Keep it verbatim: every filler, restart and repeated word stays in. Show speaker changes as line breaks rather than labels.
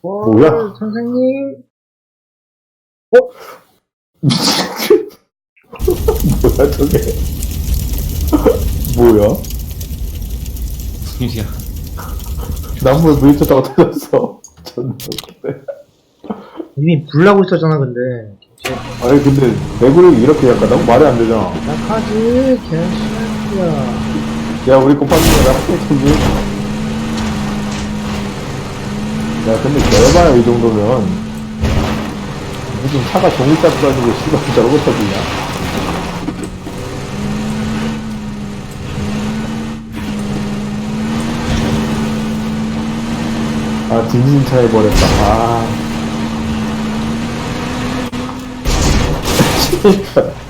어,
뭐야?
선생님?
뭐야 저게? 뭐야?
무슨 일이야?
나무에 부딪혔다가 터졌어. 존나 웃기네.
이미 불나고 있었잖아, 근데.
아니 근데 내구력이 이렇게 약간 너무 말이 안 되잖아.
약하지, 개새끼야.
야 우리 꼬파님이 나랑 했겠니? 야 근데 개봐야 이 정도면 무슨 차가 종이짝 가지고 씨발 저러고 터지냐? 아 진진차 해버렸다. 아.